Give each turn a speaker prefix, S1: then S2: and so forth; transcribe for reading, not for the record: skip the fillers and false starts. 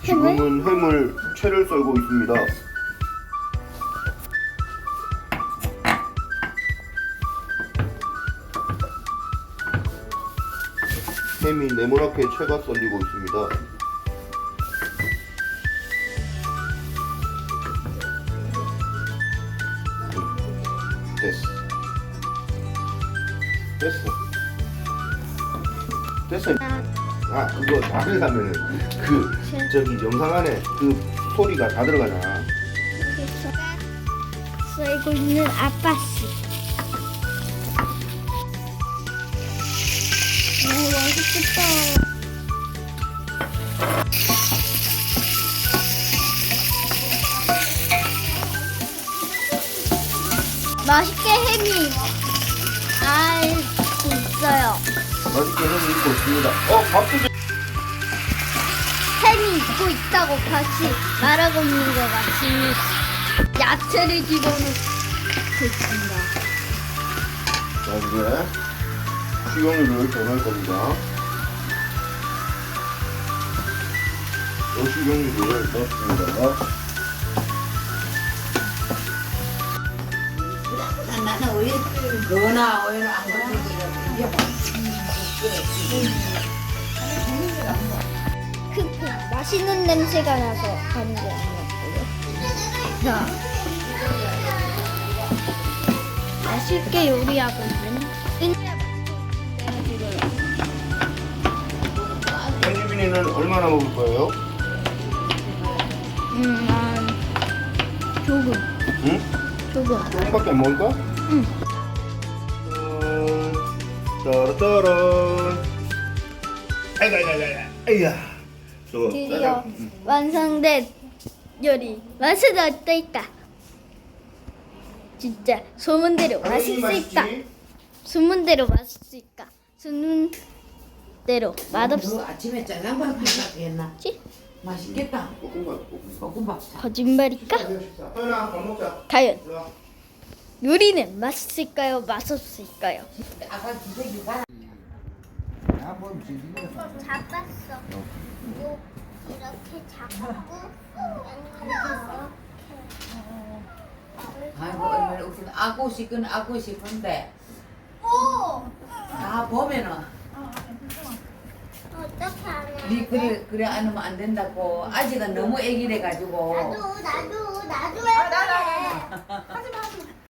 S1: 지금은 햄을 채를 썰고 있습니다. 햄이 네모나게 채가 썰리고 있습니다. 됐어. 아, 그거 다 들어가면은 저기 영상 안에 그 소리가 다 들어가잖아.
S2: 여기서 썰고 있는 아빠씨. 오, 맛있겠다. 맛있게 햄이 알고 있어요.
S1: 맛있게 햄이 익고 있습니다. 밥도 좀.
S2: 햄이 익고 있다고 같이 말하고 있는 것 같이 야채를 집어넣고 있습니다.
S1: 자, 이제 식용유를 더 넣을 겁니다. 식용유를 넣었습니다.
S3: 나는 오일 너나 오일 안 걸리고 이게
S2: 맛있는 냄새가 나서 하는 게 아니었고요. 자, 맛있게 요리하고 있는
S1: 현지빈이는 얼마나 먹을 거예요?
S2: 조금.
S1: 응?
S2: 조금.
S1: 조금밖에 안 먹을 거야?
S2: 응.
S1: 따라따란. 아이야. 저거.
S2: 드디어 완성된 요리. 맛은 어떨까? 진짜 소문대로 맛있을까? 소문대로 맛있을까? 소문대로 맛없을지?
S3: 아침에 짜장밥 해놨겠나? 맛있겠다. 볶음밥.
S2: 거짓말일까?
S1: 서연아, 밥 먹자.
S2: 과연 요리는 맛있을까요? 맛없을까요?
S3: 아까 기색이 봐.
S2: 잡았어. 이렇게 잡고
S3: 아이고 얼마나 웃긴. 아고 싶긴 아고 싶은데
S2: 오!
S3: 다 보면은
S2: 어떻게 하냐?
S3: 니 그래 안 하면 안 된다고. 아직은 너무 애기래 가지고.
S2: 나도 해야 돼.